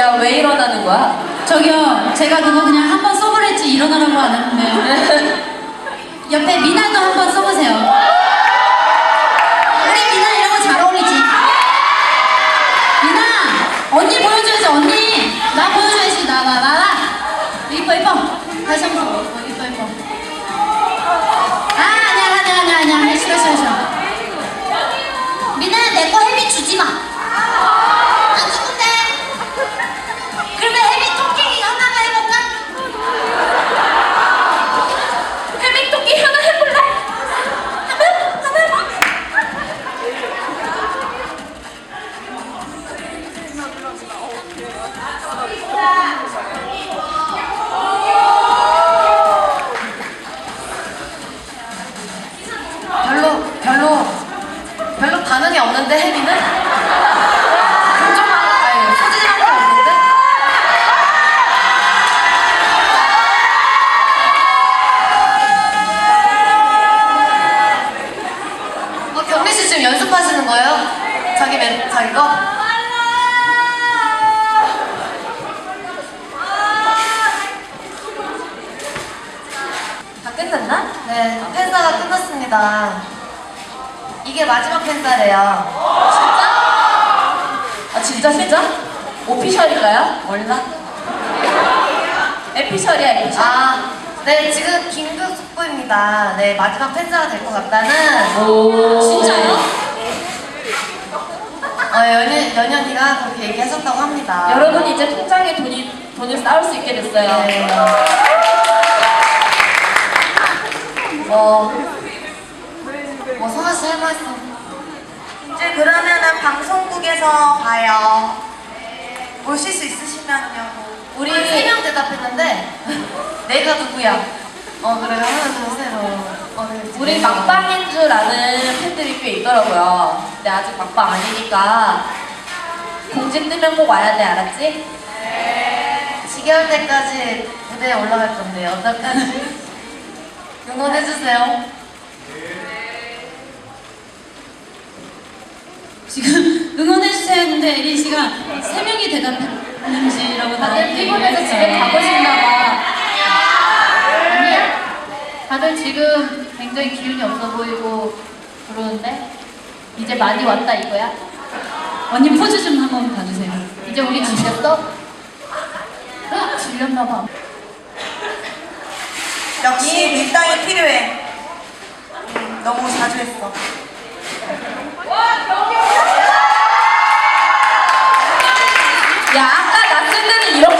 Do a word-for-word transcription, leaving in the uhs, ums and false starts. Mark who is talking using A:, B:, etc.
A: 야, 왜 일어나는 거야?
B: 저기요, 제가 그거 그냥 한 번 써보랬지 일어나라고 안 했는데. 옆에 미나도 한 번 써보세요. 우리 미나 이런 거 잘 어울리지? 미나! 언니 보여줘야지, 언니! 나 보여줘야지, 나, 나, 나, 나! 이뻐, 이뻐. 다시 한 번 더. 이뻐, 이뻐, 이뻐. 아, 아니야, 아니야, 아니야, 아니야. 싫어, 싫어, 싫어. 미나, 내 거 혜미 주지 마. 안 주는데. 그러면 혜미 토끼 하나만 해볼까?
A: 혜미 토끼 하나 해볼래? 하나? 하나?
C: 별로 별로 별로 반응이 없는데 혜미는? 긍정만 아니 소지지만 게 없는데? 어 경미 씨 지금 연습하시는 거예요? 자기 멘 자기 거? 다 끝났나? 네, 팬사가 끝났습니다. 이게 마지막 팬사래요.
A: 진짜? 아, 진짜, 진짜? 오피셜인가요? 몰라. 에피셜이야, 에피셜.
C: 아, 네, 지금 긴급 속보입니다. 네, 마지막 팬사가 될 것 같다는.
A: 오.
B: 진짜요?
C: 어, 연연, 연연이가 그렇게 얘기하셨다고 합니다.
A: 여러분, 이제 통장에 돈이, 돈을 쌓을 수 있게 됐어요.
C: 네. 뭐, 뭐, 성아씨 할 말씀.
D: 이제 그러면은 방송국에서 봐요. 오실 수 있으시면요.
C: 우리 세 명 대답했는데, 내가 누구야? 어, 그래요? 하나, 둘, 셋, 어. 어, 네,
A: 우리
C: 네.
A: 막방인 줄 아는 팬들이 꽤 있더라고요. 근데 아직 막방 아니니까 공지 뜨면 꼭 와야 돼, 알았지?
C: 지겨울 때까지 무대에 올라갈 건데, 어떡하지? 응원해주세요.
B: 지금 응원해주세요 했는데 에린 씨가 세 명이 대답했는지라고
A: 다들 피곤해서 집에 가고 싶나 봐.
E: 아니야. 다들 지금 굉장히 기운이 없어 보이고 그러는데 이제 많이 왔다 이거야?
B: 언니 포즈 좀 한번 봐주세요.
E: 이제 우리 지쳤어? 질렸나 봐.
D: 역시 밀당이 필요해. 음, 너무 자주 했어.
A: 야, 아까 나 쓴 데는 이렇게